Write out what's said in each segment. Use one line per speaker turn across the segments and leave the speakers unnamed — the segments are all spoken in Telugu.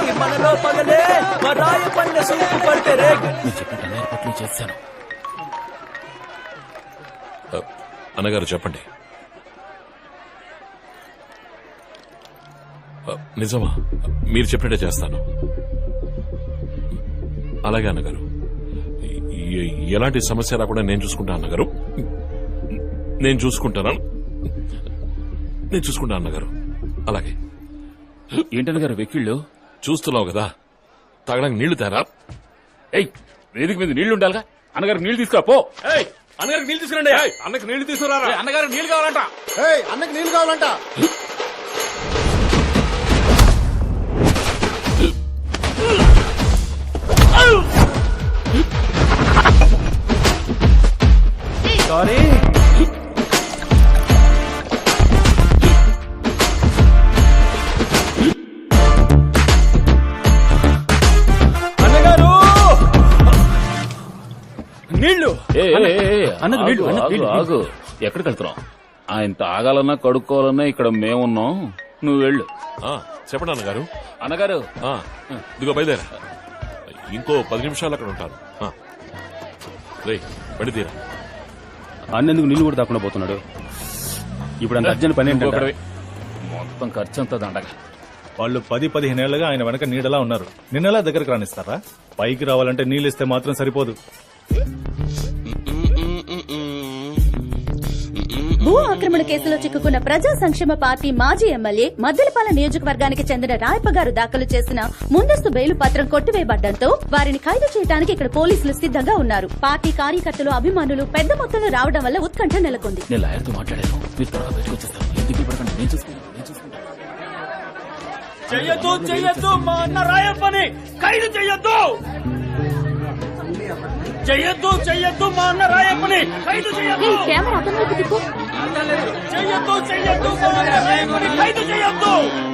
మనలో పగలే రాయ పండ సూపు పడితే రే.
చేశాను. అన్నగారు చెప్పండి. నిజమా? మీరు చెప్పినట్టే చేస్తాను. అలాగే అన్నగారు. ఎలాంటి సమస్య రాకుండా నేను చూసుకుంటా అన్నగారు. నేను చూసుకుంటాను అన్నగారు. అలాగే.
ఏంటన్నగారు వెక్కిళ్ళు?
చూస్తున్నావు కదా, తాగడానికి నీళ్లు తేరా.
ఏయ్, వేదిక మీద నీళ్లు ఉండాలిగా. అన్నగారికి నీళ్లు తీసుకురా పో.
అన్నగారికి నీళ్లు తీసుకురండి. అన్నకి నీళ్లు తీసుకురా.
అన్నగారికి నీళ్లు కావాలంట.
అన్నకి నీళ్లు కావాలంట.
సారీ. అన్నగారు నీళ్లు.
ఆగు. ఎక్కడికి వెళ్తున్నావు? ఆయన తాగాలన్నా కడుక్కోవాలన్నా ఇక్కడ మేమున్నాం. నువ్వు వెళ్ళు.
చెప్పండి అన్నగారు.
అన్నగారు
ఇదిగో బయలుదేరా. ఇంకో 10 నిమిషాలు అక్కడ ఉంటాను. రే బండి తీరా.
అన్నెందుకు నీళ్లు కూడా తాకుండా పోతున్నాడు? ఇప్పుడు అంత అర్జెంట్ పని ఏంటంటే
మొత్తం ఖర్చు అంతా దండగా.
వాళ్ళు 10-15 ఏళ్లుగా ఆయన వెనక నీడలా ఉన్నారు. నిన్నలా దగ్గరకు రానిస్తారా? పైకి రావాలంటే నీళ్ళు ఇస్తే మాత్రం సరిపోదు.
భూ ఆక్రమణ కేసులో చిక్కుకున్న ప్రజా సంక్షేమ పార్టీ మాజీ ఎమ్మెల్యే మద్దెలపాలెం నియోజకవర్గానికి చెందిన రాయప్పగారు దాఖలు చేసిన ముందస్తు బెయిలు పత్రం కొట్టివేయబడ్డంతో వారిని ఖైదు చేయడానికి ఇక్కడ పోలీసులు సిద్ధంగా ఉన్నారు. పార్టీ కార్యకర్తలు, అభిమానులు పెద్ద మొత్తంలో రావడం వల్ల ఉత్కంఠ నెలకొంది.
నేను లాయర్తో మాట్లాడాను. మీరు త్వరగా బయటకు వచ్చేస్తాను. ఎందుకు పడకండి, నేను చూసుకుంటాను.
చెయ్యొద్దు మా అన్న రాయప్పని ఖైదు చెయ్యొద్దు. చెయ్యొద్దు మా అన్న రాయప్పని ఖైదు చెయ్యొద్దు.
కెమెరా అతని వైపు తిప్పు.
చెయ్యొద్దు మా అన్న రాయప్పని ఖైదు చెయ్యొద్దు.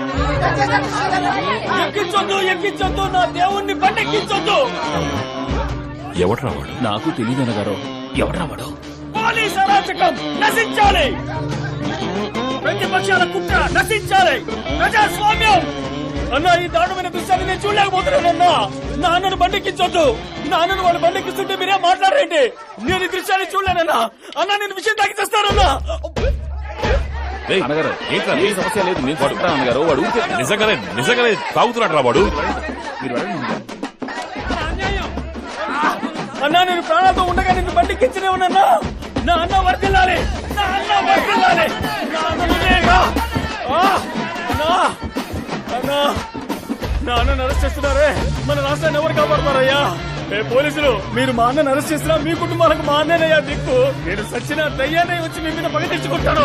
ఎక్కించొద్దు నా దేవుణ్ణి బండెక్కించొద్దు.
ఎవరు రావాడు?
నాకు తెలియదు అన్నగారు. ఎవరు రావాడు?
పోలీస్ అరాచకం నశించాలి. ప్రతిపక్షాల కుట్ర నశించాలి. ప్రజాస్వామ్యం. అన్న ఈ దారుణమైన దృశ్యాన్ని నేను చూడలేకపోతున్నానన్నా. నా అన్నను బండెక్కించొద్దు. నా అన్నను వాళ్ళు బండెక్కిస్తుంటే మీరే మాట్లాడరేంటి? నేను ఈ దృశ్యాన్ని చూడలేనన్నా. అన్న నేను విషయం తాకి చేస్తానన్నా.
అన్నగారు ఏంటి సమస్య లేదు, నేను పడుకుంటాను అన్నగారు. వాడు
నిజంగానే తాగుతున్నాడు రా వాడు.
అన్నా నేను ప్రాణాలతో ఉండగా నిన్ను బండికించనే ఉన్నా. నా అన్న వర్దిల్లాలి. నా అన్నను అరెస్ట్ చేస్తున్నారే. మన రాష్ట్రాన్ని ఎవరు కాపాడతారయ్యా? పోలీసులు, మీరు మా అన్నను అరెస్ట్ చేసినా మీ కుటుంబాలకు మా అన్నయ్యా దిక్కు. నేను సచ్చిన దయ్యాన్ని వచ్చి మీ మీద పగ తెచ్చుకుంటాను.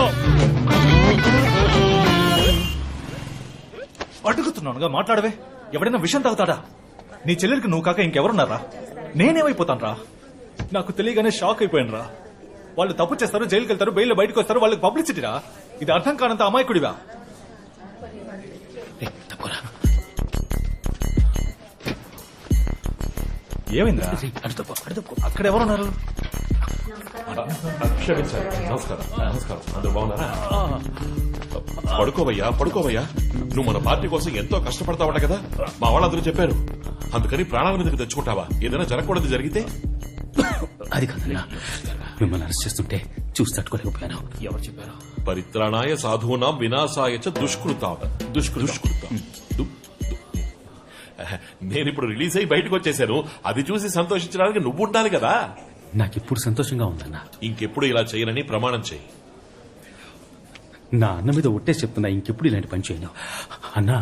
అడుగుతున్నానుగా మాట్లాడవే. ఎవడైనా విషయం తాగుతాడా? నీ చెల్లెలికి నువ్వు కాక ఇంకెవరున్నారా? నేనేమైపోతాను రా? నాకు తెలియగానే షాక్ అయిపోయాను రా. వాళ్ళు తప్పు చేస్తారు, జైలుకి వెళ్తారు, బెయిల్ బయటకు వస్తారు. వాళ్ళకి పబ్లిసిటీరా? ఇది అర్థం కానంత అమాయకుడివా? ఏమైందా? అక్కడ ఎవరున్నారు?
క్షమించాలి. నమస్కారం. అందరూ బాగున్నారా? పడుకోవయ్యా. నువ్వు మన పార్టీ కోసం ఎంతో కష్టపడతావట కదా, మా వాళ్ళందరూ చెప్పారు. అందుకని ప్రాణాల మీదకి తెచ్చుకుంటావా? ఏదైనా జరగకూడదు జరిగితే?
అది కాదన్నా, మిమ్మల్ని అరెస్ట్ చేస్తుంటే చూసి తట్టుకోలేకపోయాను.
ఎవరు చెప్పారు?
పరిత్రాణాయ సాధూనాం వినాశాయ చ దుష్కృతాం. నేను ఇప్పుడు రిలీజ్ అయ్యి బయటకు వచ్చేసాను. అది చూసి సంతోషించడానికి నువ్వు ఉండాలి కదా.
నాకిప్పుడు సంతోషంగా ఉందన్నా.
ఇంకెప్పుడు ఇలా చేయనని ప్రమాణం చేయి.
నా అన్న మీద ఒట్టేసి చెప్తున్నా, ఇంకెప్పుడు ఇలాంటి పని చేయను. అన్నా,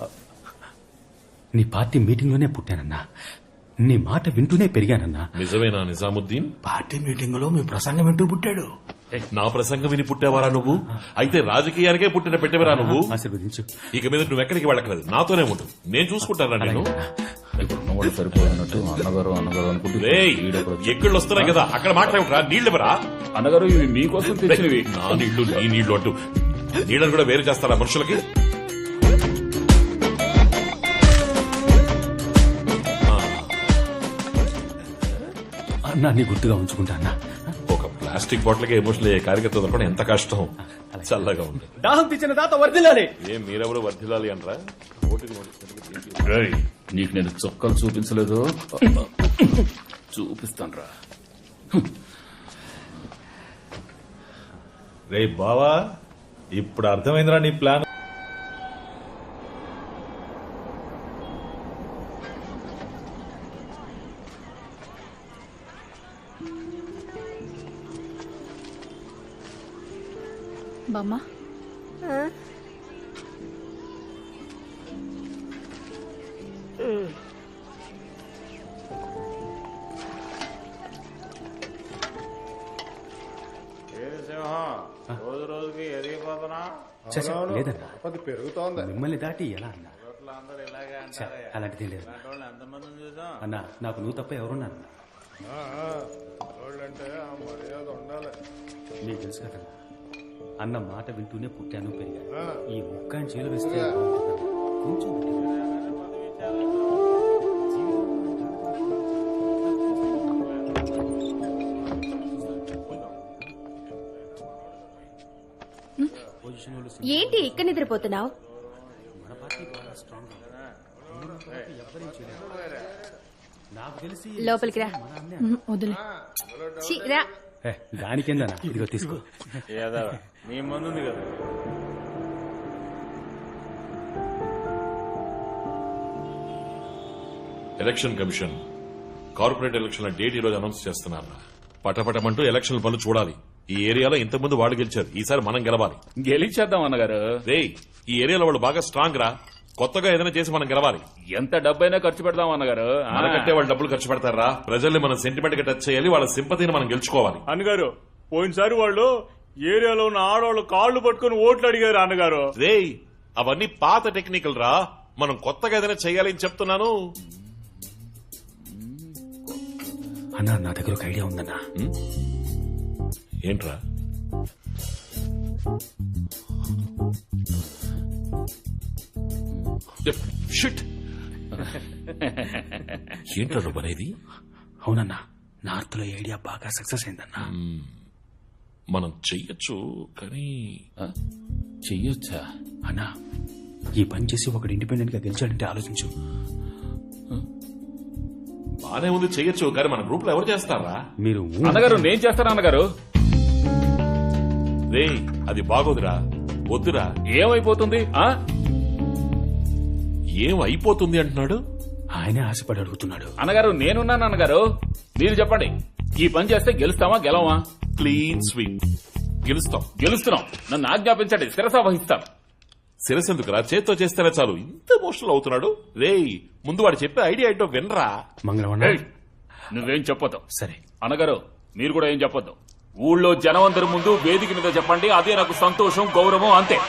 నీ పార్టీ మీటింగ్ లోనే పుట్టానన్నా. నీ మాట వింటూనే పెరిగానన్నా.
నిజమేనా నిజాముద్దీన్?
పార్టీ మీటింగ్ లో మీ ప్రసంగం వింటూ పుట్టాడు.
నా ప్రసంగం విని పుట్టేవారా నువ్వు? అయితే రాజకీయానికే పుట్టిన పెట్టేవరా నువ్వు?
ఆశీర్వదించు.
ఇక మీద నువ్వు ఎక్కడికి వెళ్ళకలేదు, నాతోనే ఉండు. నేను చూసుకుంటానా నేను?
సరిపోయినట్టు అన్నగారు అనుకుంటే
ఎక్కళ్ళు వస్తున్నాయి కదా, అక్కడ మాట్లాడరా. నీళ్లు ఎవరా?
అన్నగారు ఇవి మీకోసం తెచ్చినవి.
నా నీళ్లు నీ నీళ్లు అంటూ నీళ్ళని కూడా వేరు చేస్తారా మనుషులకి?
అన్నా, నీ గుర్తుగా ఉంచుకుంటా అన్నా.
ఒక ప్లాస్టిక్ బాటిల్కి ఎమోషనల్ అయ్యే కార్యకర్త దొరకడం ఎంత కష్టం. చల్లగా ఉంది.
దాహం తెచ్చిన తాత వర్దిల్లాలి.
మీరెవరు వర్ధిల్లాలి అంటారా?
రేయ్, నీకు నేను చొక్కాలు చూపించలేదు చూపిస్తాను రా.
రే బావా, ఇప్పుడు అర్థమైందిరా నీ ప్లాన్.
బామ్మ
రోజు రోజుకి ఎదిగిపోతున్నా
లేదన్నా,
అది పెరుగుతోంది.
మిమ్మల్ని దాటి ఎలా అన్నా?
అందరూ ఇలాగే
ఛ, అలాంటిది లేదు
ఎంతమందిని చూసాం
అన్నా. నాకు నువ్వు తప్ప ఎవరున్నా
అంటే ఆ మర్యాద ఉండాలి.
నీకు తెలుసు కదా, అన్న మాట వింటూనే పుట్టాను పెరిగాను. ఈ ముక్క ఆయన చేలు వేస్తే బాగుంటుందన్నా. కొంచెం
ఏంటి ఇక్కడ నిద్రపోతున్నావు?
మన పార్టీ బాగా స్ట్రాంగ్. నాకు తెలిసి
లోపలికి రా. వదిలే రా.
దానికేందన్నా, ఇదిగో తీసుకో.
ఏదో నీ ముందుంది కదా.
ఎలక్షన్ కమిషన్ కార్పొరేట్ ఎలక్షన్ల డేట్ ఈ రోజు అనౌన్స్ చేస్తున్నారు. పటపటమంటూ ఎలక్షన్ పనులు చూడాలి. ఈ ఏరియాలో ఇంతకుముందు వాళ్ళు గెలిచారు, ఈసారి మనం గెలవాలి.
గెలిచేద్దాం అన్నగారు.
రేయ్, ఈ ఏరియాలో వాళ్ళు బాగా స్ట్రాంగ్ రా. కొత్తగా ఏదైనా చేసి మనం గెలవాలి.
ఎంత డబ్బైనా ఖర్చు పెడదాం అన్నగారు.
మనకంటే వాళ్ళు డబ్బులు ఖర్చు పెడతారా? ప్రజల్ని మనం సెంటిమెంట్ గా టచ్ చేయాలి, వాళ్ళ సింపతిని మనం గెలుచుకోవాలి.
అన్నగారు, పోయినసారి వాళ్ళు ఏరియాలో ఉన్న ఆడవాళ్ళు కాళ్లు పట్టుకుని ఓట్లు అడిగారు అన్నగారు.
రేయ్, అవన్నీ పాత టెక్నికల్ రా. మనం కొత్తగా ఏదైనా చేయాలి అని చెప్తున్నాను.
అన్నా, నా దగ్గర ఒక ఐడియా ఉందన్నా.
ఏంట్రా? షిట్. ఏంట్రా నువ్వు అనేది?
అవునన్నా, నార్త్ లో ఐడియా బాగా సక్సెస్ అయిందన్నా.
మనం చెయ్యొచ్చు, కానీ
చెయ్యొచ్చా?
అన్నా, ఈ పని చేసి ఒకడు ఇండిపెండెంట్ గా గెలిచాడంటే ఆలోచించు.
బానే ఉంది, చెయ్యొచ్చు, కానీ మన గ్రూప్ లో ఎవరు చేస్తారా?
మీరు
అన్నగారు, నేను చేస్తాను అన్నగారు.
రేయ్, అది బాగోదురా, వద్దురా.
ఏమైపోతుంది?
ఏం అయిపోతుంది అంటున్నాడు?
ఆయనే ఆశపడి అడుగుతున్నాడు.
అన్నగారు, నేనున్నాను అన్నగారు. మీరు చెప్పండి, ఈ పని చేస్తే గెలుస్తామా గెలవా?
Clean sweep. గెలుస్తాం.
గెలుస్తున్నాం. నన్ను ఆజ్ఞాపించండి, శిరస వహిస్తాం.
శిరసెందుకురా, చేత్తో చేస్తేనే చాలు. ఇంత ఎమోషనల్ అవుతున్నాడు. రేయ్, ముందు వాడు చెప్పే ఐడియా ఏంటో వినరా.
మంగళవారం
ఏయ్, నువ్వేం చెప్పొద్దు.
సరే
అన్నగారు, మీరు కూడా ఏం చెప్పొద్దు. ఊళ్ళో జనం అందరి ముందు వేదిక మీద చెప్పండి, అదే నాకు సంతోషం, గౌరవం, అంతే.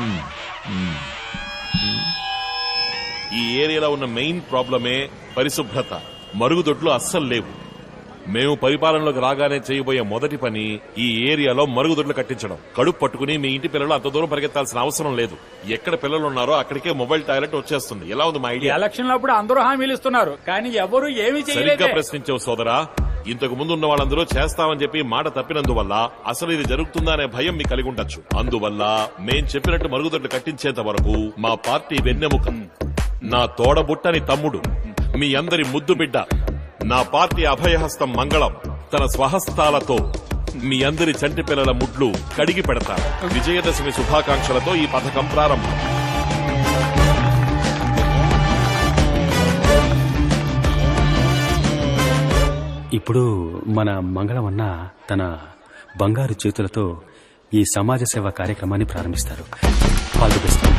ఈ ఏరియాలో ఉన్న మెయిన్ ప్రాబ్లమే పరిశుభ్రత. మరుగుదొడ్లు అస్సలు లేవు. మేము పరిపాలనలోకి రాగానే చేయబోయే మొదటి పని ఈ ఏరియాలో మరుగుదొడ్లు కట్టించడం. కడుపు పట్టుకుని మీ ఇంటి పిల్లలు అంత దూరం పరిగెత్తాల్సిన అవసరం లేదు. ఎక్కడ పిల్లలు ఉన్నారో అక్కడికే మొబైల్ టాయిలెట్ వచ్చేస్తుంది. ఎలా ఉంది మా ఐడియా?
ఎలక్షన్ అప్పుడు అందరూ హామీలు ఇస్తున్నారు, కానీ ఎవరు ఏమీ
సరిగ్గా
చేయలేదు.
ప్రశ్నించావు సోదరా. ఇంతకు ముందు ఉన్న వాళ్ళందరూ చేస్తామని చెప్పి మాట తప్పినందువల్ల అసలు ఇది జరుగుతుందా అనే భయం మీకు కలిగి ఉండొచ్చు. అందువల్ల మేం చెప్పినట్టు మరుగుదొడ్లు కట్టించేంత వరకు మా పార్టీ వెన్నెముక, నా తోడబుట్టని తమ్ముడు, మీ అందరి ముద్దు బిడ్డ, నా పార్టీ అభయహస్తం మంగళం తన స్వహస్తాలతో మీ అందరి చంటి పిల్లల ముడ్లు కడిగి పెడతారు. విజయదశమి శుభాకాంక్షలతో ఈ పథకం ప్రారంభం.
ఇప్పుడు మన మంగళవన్న తన బంగారు చేతులతో ఈ సమాజ సేవ కార్యక్రమాన్ని ప్రారంభిస్తారు. All the best.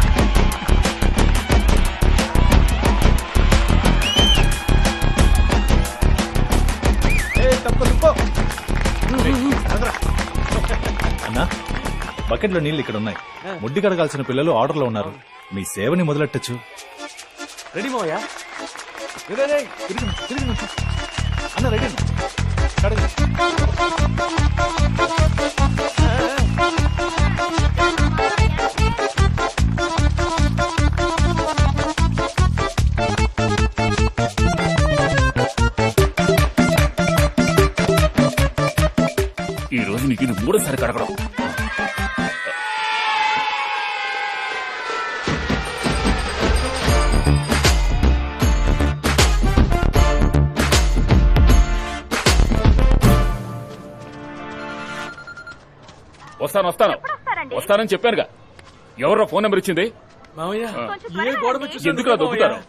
అన్నా, బకెట్ లో నీళ్లు ఇక్కడ ఉన్నాయి. ముడ్డి కడగాల్సిన పిల్లలు ఆర్డర్ లో ఉన్నారు. మీ సేవని మొదలెట్టచ్చు. రెడీ మోయా? అన్న రెడీ.
ఈ రోజు నీకు ఇది మూడోసారి కడగడం. వస్తానని చెప్పానుగా. ఎవరో ఫోన్ నెంబర్ ఇచ్చింది?
మామయ్య ఏ గోడ
ఎందుకు దొక్కుతారు?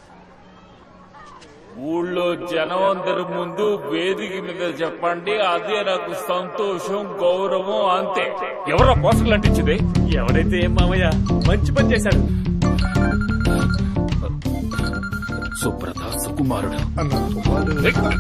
ఊళ్ళో జనం అందరి ముందు వేదిక మీద చెప్పండి, అదే నాకు సంతోషం, గౌరవం, అంతే. ఎవరో పోస్టర్లు అంటించింది?
ఎవరైతే ఏం మామయ్య, మంచి పని చేశాడు.
సుబ్రత సుకుమారుడు.